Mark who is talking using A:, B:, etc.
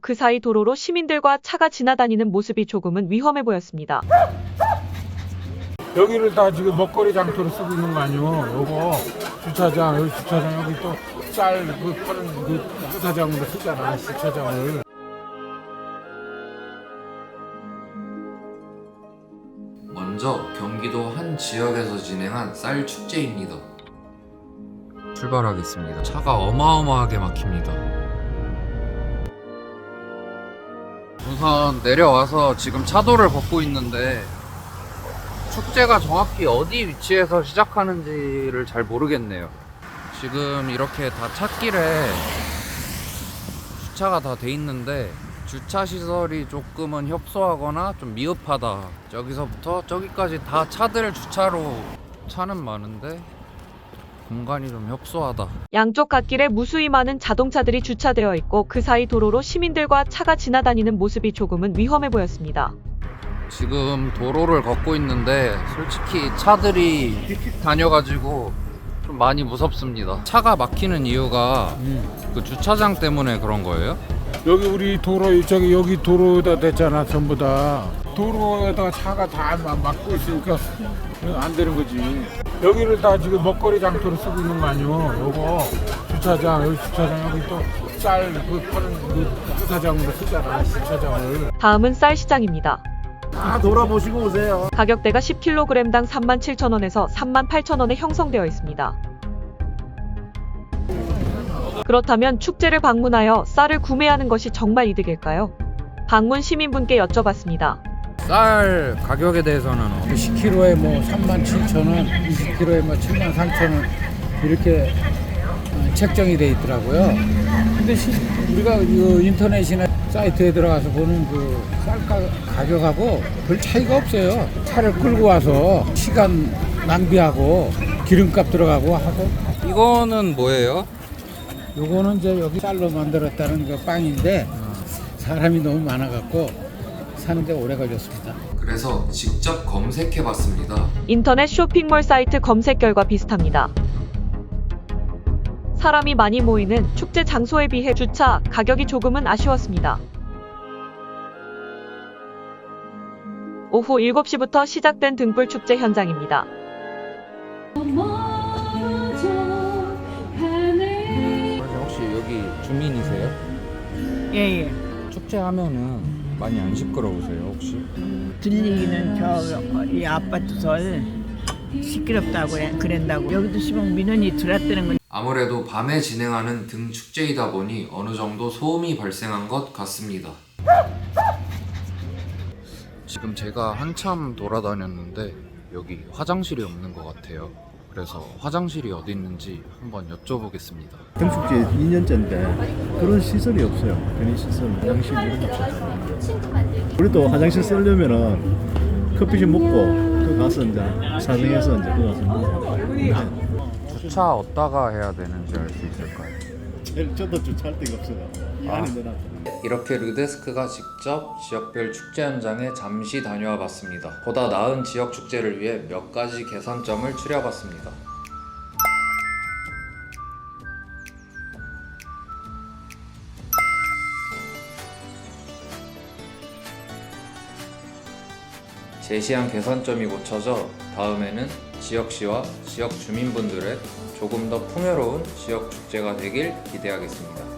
A: 그 사이 도로로 시민들과 차가 지나다니는 모습이 조금은 위험해 보였습니다.
B: 여기를 다 지금 먹거리 장터로 쓰고 있는 거 아니오? 요거 주차장, 여기 주차장, 여기 또 쌀 그 파는 그 주차장으로 쓰잖아, 주차장을.
C: 먼저 경기도 한 지역에서 진행한 쌀 축제입니다. 출발하겠습니다. 차가 어마어마하게 막힙니다. 우선 내려와서 지금 차도를 걷고 있는데 축제가 정확히 어디 위치에서 시작하는지를 잘 모르겠네요. 지금 이렇게 다 찻길에 주차가 다 돼 있는데 주차 시설이 조금은 협소하거나 좀 미흡하다. 저기서부터 저기까지 다 차들 주차로 차는 많은데 공간이 좀 협소하다.
A: 양쪽 갓길에 무수히 많은 자동차들이 주차되어 있고 그 사이 도로로 시민들과 차가 지나다니는 모습이 조금은 위험해 보였습니다.
C: 지금 도로를 걷고 있는데 솔직히 차들이 휙휙 다녀가지고 좀 많이 무섭습니다. 차가 막히는 이유가 그 주차장 때문에 그런 거예요?
B: 여기 우리 도로 저기 여기 도로에다 됐잖아, 전부 다. 도로에다가 차가 다 막고 있으니까 안 되는 거지. 여기를 다 지금 먹거리 장터로 쓰고 있는 거 아니오? 요거 주차장, 여기 주차장, 여기 또 쌀 그 파는 그 주차장으로 쓰잖아, 주차장을.
A: 다음은 쌀 시장입니다.
D: 다 돌아보시고 오세요.
A: 가격대가 10kg당 37,000원에서 38,000원에 형성되어 있습니다. 그렇다면 축제를 방문하여 쌀을 구매하는 것이 정말 이득일까요? 방문 시민분께 여쭤봤습니다.
C: 쌀 가격에 대해서는
E: 10kg에 뭐 37,000원, 20kg에 뭐 73,000원 이렇게 책정이 돼 있더라고요. 근데 우리가 이 인터넷이나 사이트에 들어가서 보는 그 쌀 가격하고 별 차이가 없어요. 차를 끌고 와서 시간 낭비하고 기름값 들어가고 하고.
C: 이거는 뭐예요?
E: 요거는 이제 여기 쌀로 만들었다는 그 빵인데 사람이 너무 많아갖고 사는데 오래 걸렸습니다.
C: 그래서 직접 검색해봤습니다.
A: 인터넷 쇼핑몰 사이트 검색 결과 비슷합니다. 사람이 많이 모이는 축제 장소에 비해 주차 가격이 조금은 아쉬웠습니다. 오후 7시부터 시작된 등불 축제 현장입니다.
C: 혹시 여기 주민이세요?
F: 예.
C: 축제하면은 많이 안 시끄러우세요 혹시?
F: 들리기는 이 아파트설 시끄럽다고 그랬다고. 여기도 시방 민원이 들어왔다는 건
C: 아무래도 밤에 진행하는 등 축제이다 보니 어느 정도 소음이 발생한 것 같습니다. 지금 제가 한참 돌아다녔는데 여기 화장실이 없는 것 같아요. 그래서 화장실이 어디 있는지 한번 여쭤보겠습니다.
D: 등축제 2년째인데 그런 시설이 없어요. 편의시설, 화장실 이런 게 없어요. 우리도 화장실 쓰려면은 커피숍 먹고 또 가서 이제 사정해서 이제 그 가서 먹고.
C: 주차 어디다가 해야 되는지 알 수 있을까요?
D: 저도 주차할 데가 없어요. 이 안에 넣어놨거든요.
C: 이렇게 르데스크가 직접 지역별 축제 현장에 잠시 다녀와 봤습니다. 보다 나은 지역 축제를 위해 몇 가지 개선점을 추려봤습니다. 제시한 개선점이 고쳐져 다음에는 지역시와 지역 주민분들의 조금 더 풍요로운 지역 축제가 되길 기대하겠습니다.